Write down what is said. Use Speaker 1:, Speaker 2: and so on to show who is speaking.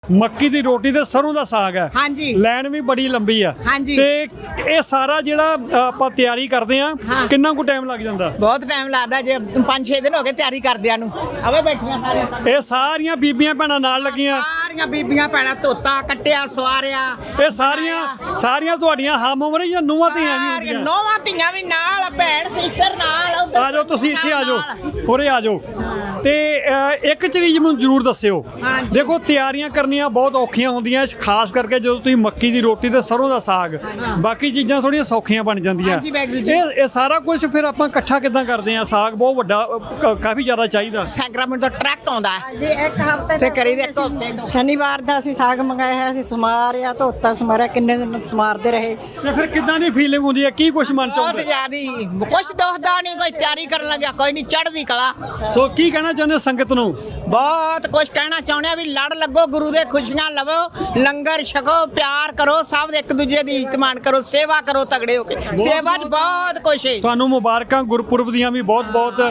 Speaker 1: ਮੱਕੀ ਦੀ ਰੋਟੀ ਤੇ ਸਰੋਂ ਦਾ ਸਾਗ ਹੈ।
Speaker 2: ਹਾਂਜੀ।
Speaker 1: ਲਾਈਨ ਵੀ ਬੜੀ ਲੰਬੀ ਆ।
Speaker 2: ਹਾਂਜੀ।
Speaker 1: ਤੇ ਇਹ ਸਾਰਾ ਜਿਹੜਾ ਆਪਾਂ ਤਿਆਰੀ ਕਰਦੇ ਆ ਕਿੰਨਾ ਕੁ ਟਾਈਮ ਲੱਗ ਜਾਂਦਾ?
Speaker 2: ਬਹੁਤ ਟਾਈਮ ਲੱਗਦਾ ਜੇ 5-6 ਦਿਨ ਹੋ ਗਏ ਤਿਆਰੀ ਕਰਦਿਆਂ ਨੂੰ। ਆਵੇ ਬੈਠੀਆਂ ਸਾਰੇ।
Speaker 1: ਇਹ ਸਾਰੀਆਂ ਬੀਬੀਆਂ ਭੈਣਾਂ ਨਾਲ ਲੱਗੀਆਂ।
Speaker 2: ਸਾਰੀਆਂ ਬੀਬੀਆਂ ਭੈਣਾਂ ਧੋਤਾ ਕੱਟਿਆ ਸਵਾਰਿਆ।
Speaker 1: ਇਹ ਸਾਰੀਆਂ ਤੁਹਾਡੀਆਂ ਹਮ ਉਮਰ ਜਾਂ ਨੂੰਹਾਂ ਧੀਆਂ ਵੀ ਹੁੰਦੀਆਂ?
Speaker 2: ਨੌਵਾਂ ਧੀਆਂ ਵੀ ਨਾਲ, ਭੈਣ ਸਿਸਟਰ ਨਾਲ।
Speaker 1: ਆ ਜਾਓ ਤੁਸੀਂ ਇੱਥੇ ਆ ਜਾਓ, ਉਰੇ ਆ ਜਾਓ। ਤੇ ਇੱਕ ਚੀਜ਼ ਮੈਨੂੰ ਜ਼ਰੂਰ ਦੱਸਿਓ। ਦੇਖੋ ਤਿਆਰੀਆਂ ਕਰਨੀਆਂ ਬਹੁਤ ਔਖੀਆਂ ਹੁੰਦੀਆਂ, ਖਾਸ ਕਰਕੇ ਜਦੋਂ ਤੁਸੀਂ ਮੱਕੀ ਦੀ ਰੋਟੀ ਤੇ ਸਰੋਂ ਦਾ ਸਾਗ, ਬਾਕੀ ਚੀਜ਼ਾਂ ਥੋੜੀਆਂ ਸੌਖੀਆਂ ਬਣ ਜਾਂਦੀਆਂ। ਇਹ ਸਾਰਾ ਕੁਝ ਫਿਰ ਆਪਾਂ ਇਕੱਠਾ ਕਿੱਦਾਂ ਕਰਦੇ ਆ? ਸਾਗ ਬਹੁਤ ਵੱਡਾ, ਕਾਫੀ ਜ਼ਿਆਦਾ ਚਾਹੀਦਾ।
Speaker 2: ਸੈਕਰਾਮੈਂਟ ਤੋਂ ਟਰੱਕ ਆਉਂਦਾ
Speaker 3: ਜੀ ਇੱਕ ਹਫ਼ਤੇ
Speaker 2: ਤੇ ਕਰੀ ਦੇ ਇੱਕ ਹਫ਼ਤੇ ਤੋਂ।
Speaker 3: ਸ਼ਨੀਵਾਰ ਦਾ ਅਸੀਂ ਸਾਗ ਮੰਗਾਇਆ ਹੈ, ਅਸੀਂ ਸਮਾਰਿਆ ਧੋਤਾ ਸਮਾਰਿਆ, ਕਿੰਨੇ ਦਿਨ ਸਮਾਰਦੇ ਰਹੇ।
Speaker 1: ਤੇ ਫਿਰ ਕਿੱਦਾਂ ਦੀ ਫੀਲਿੰਗ ਹੁੰਦੀ ਹੈ? ਕੀ ਕੁਝ ਮਨ ਚ
Speaker 2: ਬਹੁਤ
Speaker 1: ਆਉਂਦਾ?
Speaker 2: ਜ਼ਿਆਦੀ ਕੁਛ ਦੁਖਦਾ ਨਹੀਂ, ਕੋਈ ਤਿਆਰੀ ਕਰਨ ਲੱਗਿਆ ਕੋਈ ਨਹੀਂ, ਚੜ੍ਹਦੀ ਕਲਾ।
Speaker 1: ਸੋ ਕੀ ਕਹਿਣਾ ਚਾਹੁੰਦੇ ਸੰਗਤ ਨੂੰ?
Speaker 2: ਬਹੁਤ ਕੁਝ ਕਹਿਣਾ ਚਾਹੁੰਦੇ ਆ ਵੀ ਲੜ ਲੱਗੋ, ਗੁਰੂ ਦੇ ਖੁਸ਼ੀਆਂ ਲਵੋ, ਲੰਗਰ ਛਕੋ, ਪਿਆਰ ਕਰੋ, ਸਭ ਇੱਕ ਦੂਜੇ ਦੀ ਇੱਜ਼ਤ ਮਾਣ ਕਰੋ, ਸੇਵਾ ਕਰੋ ਤਗੜੇ ਹੋ ਕੇ। ਸੇਵਾ 'ਚ ਬਹੁਤ ਕੁਛ ਹੈ।
Speaker 1: ਤੁਹਾਨੂੰ ਮੁਬਾਰਕਾਂ ਗੁਰਪੁਰਬ ਦੀਆਂ ਵੀ ਬਹੁਤ ਬਹੁਤ।